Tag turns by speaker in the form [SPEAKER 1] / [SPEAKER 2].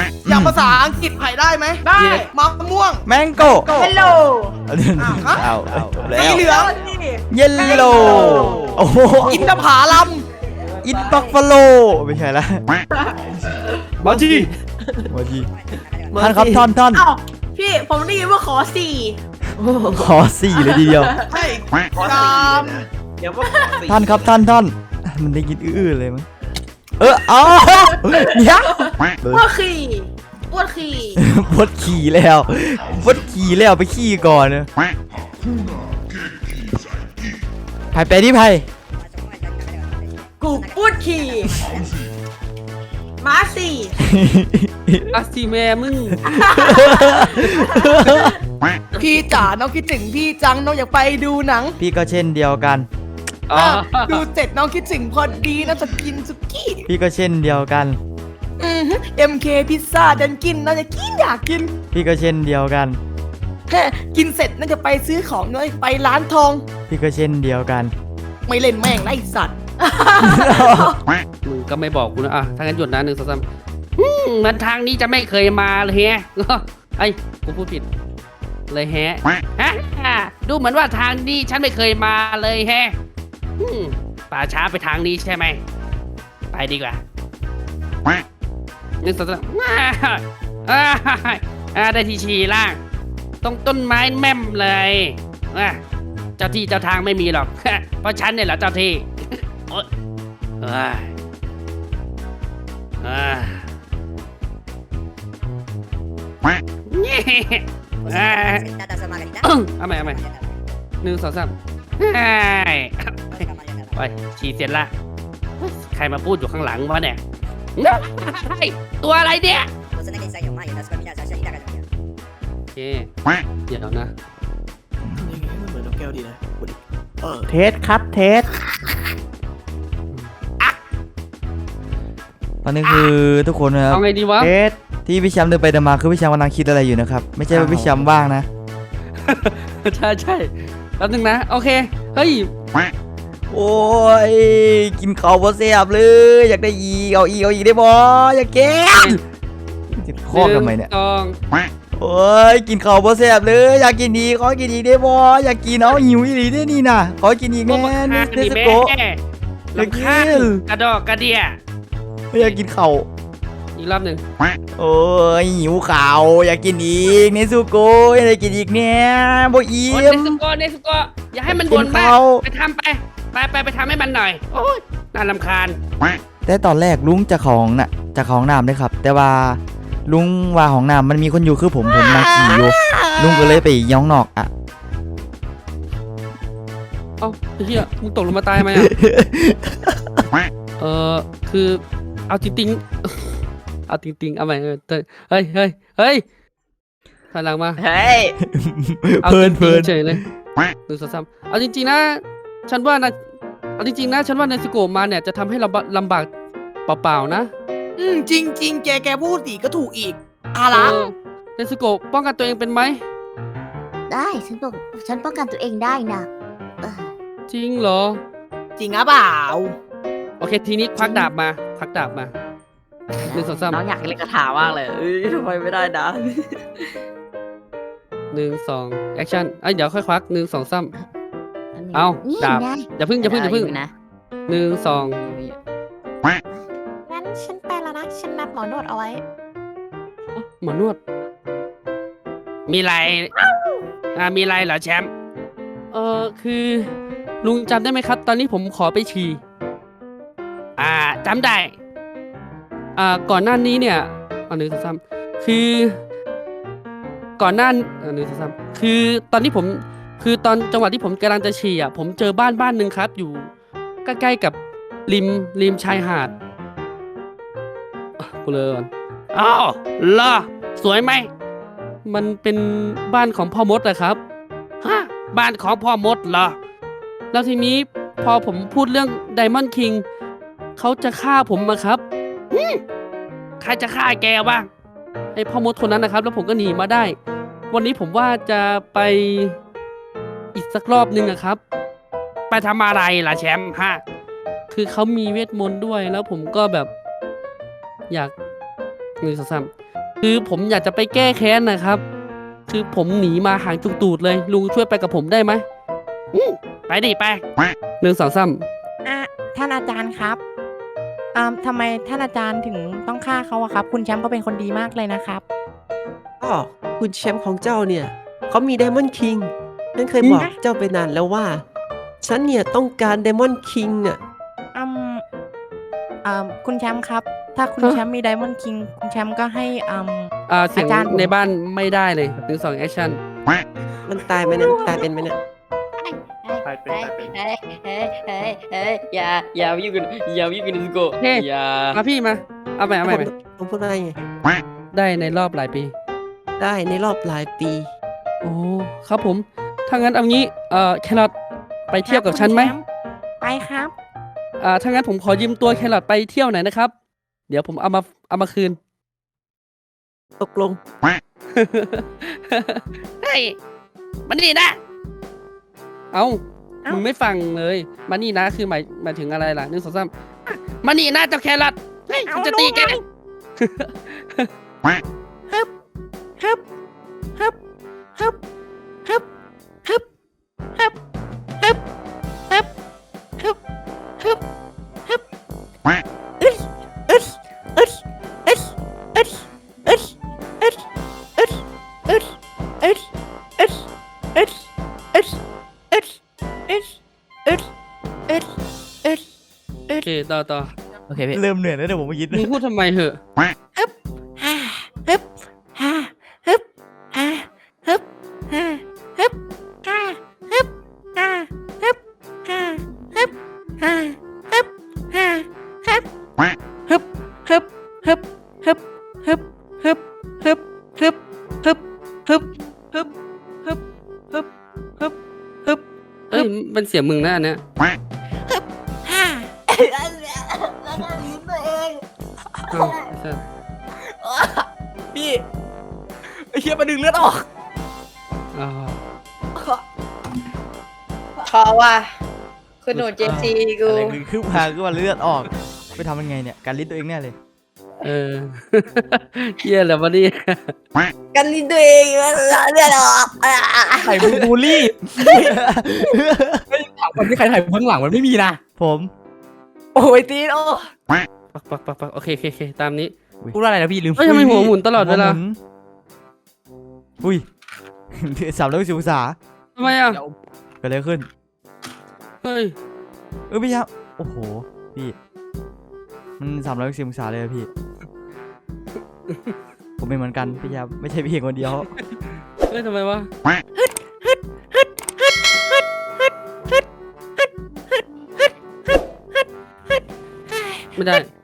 [SPEAKER 1] อย่างภาษาอังกฤษไผ่ได้ไหมได้มะม่วง
[SPEAKER 2] แมงโก้
[SPEAKER 3] เฮลโล
[SPEAKER 2] เอาแล้
[SPEAKER 1] สี
[SPEAKER 2] ว
[SPEAKER 1] เหลือง
[SPEAKER 2] เยลโลโอ้โห
[SPEAKER 1] อินทผลัม
[SPEAKER 2] อินบัฟฟาโลไม่ใช่ละ
[SPEAKER 4] มาที
[SPEAKER 2] มาทีท่านครับท่าน
[SPEAKER 3] อ้าวพี่ผมได้ยินว่าขอสี่
[SPEAKER 2] ขอสี่เลยทีเดียว
[SPEAKER 1] ใช่ตาม
[SPEAKER 4] เดี๋ยวว่า
[SPEAKER 2] ท่านครับท่านมันได้ยินอื้อเลยมั้งเอาเนี่ย
[SPEAKER 3] อ้วนขี่อ้วนขี่
[SPEAKER 2] พดขี่แล้วไปขี่ก่อนนะไปที่ไผ่
[SPEAKER 3] กูอ้วนขี่ม้าสี่
[SPEAKER 4] อาซีแม่มึง
[SPEAKER 1] พี่จ๋าน้องคิดถึงพี่จังน้องอยากไปดูหนัง
[SPEAKER 2] พี่ก็เช่นเดียวกัน
[SPEAKER 1] ดูเสร็จน้องคิดถึงพอดีน้องจะกินสุกี้
[SPEAKER 2] พี่ก็เช่นเดียวกัน
[SPEAKER 1] MK พิซซ่าดันกินน้องจะกินอยากกิน
[SPEAKER 2] พี่ก็เช่นเดียวกัน
[SPEAKER 1] กินเสร็จน้องจะไปซื้อของน้องไปร้านทอง
[SPEAKER 2] พี่ก็เช่นเดียวกัน
[SPEAKER 1] ไม่เล่นแม่งนะไอ้สัตว์
[SPEAKER 4] มึงก็ไม่บอกกูนะถ้างั้นหยุดนะ1 2 3เหมือนทางนี้จะไม่เคยมาเลยแฮะไอ้กูพูดผิดเลยแฮะดูเหมือนว่าทางนี้ฉันไม่เคยมาเลยแฮะป่าช้าไปทางนี้ใช่ไหมไปดีกว่า1 2 3ได้ทีชีล่างต้องต้นไม้แม่มเลยเจ้าที่เจ้าทางไม่มีหรอก เพราะฉันเนี่ยแหละเจ้าที่เอาใหม่1 2 3ไปฉี่เสร็จละใครมาพูดอยู่ข้างหลังวะเนี่ยตัวอะไรเนี่ยโอเคเดี๋ยวนะ
[SPEAKER 1] เหมือนนกแก้วดีนะ
[SPEAKER 2] เทสครับเทสตอนนี้คือทุกคนนะครับ
[SPEAKER 4] เอาไงดีวะ
[SPEAKER 2] เทสที่พี่แชมป์เดินไปเดินมาคือพี่แชมป์กำลังคิดอะไรอยู่นะครับไม่ใช่ว่าพี่แชมป์ว่างนะ
[SPEAKER 4] ใช่แป๊บนึงนะโอเคเฮ้ย
[SPEAKER 2] โอ้ยกินข้าวบ่แซ่บเลยอยากได้อีกเอาอีกได้บ่อยากกินจะคอกทำไมเนี่ย
[SPEAKER 4] 1
[SPEAKER 2] โอ้ยกินข้าวบ่แซ่บเลยอยากกินอีกขอกินอีกได้บ่อยากกินเอาหิวอีหลีได้นี่น่ะขอกินอีก
[SPEAKER 4] 2
[SPEAKER 2] แน่
[SPEAKER 4] แม่
[SPEAKER 2] เนส
[SPEAKER 4] แม่
[SPEAKER 2] โกะ
[SPEAKER 4] ลำคาญกระดอกกระเดีย
[SPEAKER 2] อยากกินข้าว
[SPEAKER 4] อีกรอบหนึ่ง
[SPEAKER 2] โอ้ยหิวข้าวอยากกินอีกเนสโกะอยากได้กินอีกเนี่ยบ่อิ่
[SPEAKER 4] โอ้
[SPEAKER 2] ม
[SPEAKER 4] เนสโกะอย่าให้มันบ่นมากไปทำไปทำให้มันหน่อยโอ้ยน่ารำคาญ
[SPEAKER 2] แต่ตอนแรกลุงจะของน่ะจะของน้ำด้วยครับ แต่ว่าลุงว่าของน้ำมันมีคนอยู่คือผมนั่งขี่อยู่ลุงก็เลยไปย้องนอกอ่ะ
[SPEAKER 4] เอ้าเฮียมึงตกลงมาตายไหมคือเอาจริงๆเอาจริงๆเอาไปเฮ้ยถอยหลังมา
[SPEAKER 3] เฮ้ย
[SPEAKER 4] เอาจริงๆเฉยเลย1 2 3เอาจริงๆนะฉันว่านะเอาจริงๆนะฉันว่าเนสโกะมาเนี่ยจะทำให้เราลำบากเปล่าๆนะ
[SPEAKER 1] จริงแกพูดสิก็ถูกอีกอะไร
[SPEAKER 4] เนสโกะป้องกันตัวเองเป็นไหม
[SPEAKER 5] ได้ฉันป้องกันตัวเองได้นะเออ
[SPEAKER 4] จริงเหรอ
[SPEAKER 1] จริงหรือเปล่า
[SPEAKER 4] โอเคทีนี้ควักดาบมา1 2 3
[SPEAKER 3] น้องอยากเล่นกระถามากเลยทำไมไม่ได้นะ
[SPEAKER 4] 1 2แอคชั่นเดี๋ยวค่อยควัก1 2 3 เอา
[SPEAKER 5] นี่
[SPEAKER 4] ดาบ
[SPEAKER 5] ไง
[SPEAKER 4] อย่าพึ่ง
[SPEAKER 3] นะ
[SPEAKER 4] 1 2
[SPEAKER 5] งั้นฉันไปแล้วนะฉันนัดหมอนวดเอาไว้
[SPEAKER 4] หมอนวดมีอะไรมีอะไรเหรอแชมป์คือลุงจำได้ไหมครับ ตอนนี้ผมขอไปฉี่จำได้ก่อนหน้านี้เนี่ย1 2 3คือก่อนหน้า1 2 3คือตอนที่ผมคือตอนจังหวะที่ผมกำลังจะฉี่ผมเจอบ้านหนึ่งครับอยู่ใกล้ๆกับริมชายหาดกูเลยก่อนอ้าวเหรอสวยไหมมันเป็นบ้านของพ่อมดนะครับบ้านของพ่อมดเหรอแล้วทีนี้พอผมพูดเรื่องไดมอนด์คิงเขาจะฆ่าผมมาครับใครจะฆ่าแกวะไอพ่อมดคนนั้นนะครับแล้วผมก็หนีมาได้ วันนี้ผมว่าจะไปอีกสักรอบนึงครับไปทำอะไรล่ะแชมป์คือเขามีเวทมนต์ด้วยแล้วผมก็แบบอยาก1 2 3 คือผมอยากจะไปแก้แค้นนะครับ คือผมหนีมาหางจุกตูดเลย ลุงช่วยไปกับผมได้ไหมไปดิไป1 2 3
[SPEAKER 1] ท่านอาจารย์ครับทำไมท่านอาจารย์ถึงต้องฆ่าเขาอะครับ คุณแชมป์ก็เป็นคนดีมากเลยนะครับ
[SPEAKER 6] ก็คุณแชมป์ของเจ้าเนี่ยเขามีไดมอนด์คิงฉันเคยบอกเจ้าไปนานแล้วว่า ฉันเนี่ยต้องการไดมอนด์คิงอ่ะ
[SPEAKER 1] คุณแชมป์ครับ ถ้าคุณแชมป์มีไดมอนด์คิงคุณแชมป์ก็ให้
[SPEAKER 4] เสียง
[SPEAKER 1] อาจารย์
[SPEAKER 4] ในบ้านไม่ได้เลย1 2แอคชั่น
[SPEAKER 6] มันตายไหมเนี่ยตายเป็นไหมเนี่ย
[SPEAKER 3] อย่าวิ่งกันอย่าวิ่งกันสโก
[SPEAKER 4] เฮ้
[SPEAKER 3] อย่า
[SPEAKER 4] มาพี่มาเอาใหม่เอาใหม่
[SPEAKER 6] ผมพูดได้ไง
[SPEAKER 4] ได้ในรอบหลายปี
[SPEAKER 6] ได้ในรอบหลายปี
[SPEAKER 4] โอ้ครับผมถ้างั้นเอางี้แครอทไปเที่ยวกับฉันไหม
[SPEAKER 1] ไปครับ
[SPEAKER 4] ถ้างั้นผมขอยืมตัวแครอทไปเที่ยวหน่อยนะครับ เดี๋ยวผมเอามาคืน
[SPEAKER 6] ตกลง
[SPEAKER 4] เฮ้ยมานี่นะ เอามึงไม่ฟังเลยมานี่นะคือหมายถึงอะไรล่ะ1 2 3มานี่นะเจ้าแครอทเฮ้ยกูจะตีแก
[SPEAKER 1] ฮึบฮึบฮึบฮึบฮึบฮึบฮึบฮึบฮึบฮึบฮึบฮึบอึดอึดอึดอึดอึดอึดอึดอึดอึดอึดอึดอึดอึดอึดอึดอึดอึดอึด
[SPEAKER 4] โอเคต่อ
[SPEAKER 2] โอเคพี่เริ่มเหนื่อยแล้วเดี๋ยวผมไปยิด
[SPEAKER 4] มึงพูดทำไมเหอะ
[SPEAKER 1] ฮึบฮ่าฮึบฮ่าฮึบฮ่าฮึบฮ่าฮึบฮ่าฮึบฮ่าฮึบฮ่าฮึบฮ่าฮึบฮ่าฮึบฮึบฮึบฮึบฮึบฮึบฮึบฮึบฮึบฮึบฮึบฮึบฮึบฮึบฮึบฮึบ
[SPEAKER 4] เอ้ยมันเสียงมึงนะอันเนี้ย
[SPEAKER 1] ฮ่า
[SPEAKER 4] เอาไอ้สัส
[SPEAKER 1] พี่ไอ้เหี้ยมาดึงเลือดออก
[SPEAKER 4] อ๋อ
[SPEAKER 3] ขอว่าคุณหนูเจซีกู
[SPEAKER 2] อะไรคือพาคือว่าเลือดออกไปทำยังไงเนี่ยการลิ้นตัวเองแน่เลย
[SPEAKER 4] เออ เหี้ยแล้ววะนี่
[SPEAKER 3] กันลิ้นตัวเองเลือดออก
[SPEAKER 1] ไข่มึงบูลลี่ถามคนที่ใครถ่ายเบื้องหลังมันไม่มีนะ
[SPEAKER 2] ผม
[SPEAKER 1] โอ้ยตีนโอ้
[SPEAKER 4] ปักโอเคตามนี้
[SPEAKER 1] พูดว่าอะไรนะพี่ลืม
[SPEAKER 4] เฮ้ยทำไมหัวหมุนตลอดเวลา
[SPEAKER 2] อุ้ย 360องศา
[SPEAKER 4] ทำไมอ่ะ
[SPEAKER 2] เกิดอะไรขึ้น
[SPEAKER 4] เฮ้ย
[SPEAKER 2] พี่ครับโอ้โหพี่มัน360องศาเลยอะพี่ ผมเป็นเหมือนกันพี่ครับไม่ใช่พี่คนเดียว
[SPEAKER 4] เฮ้ยทำไมวะไม่ได้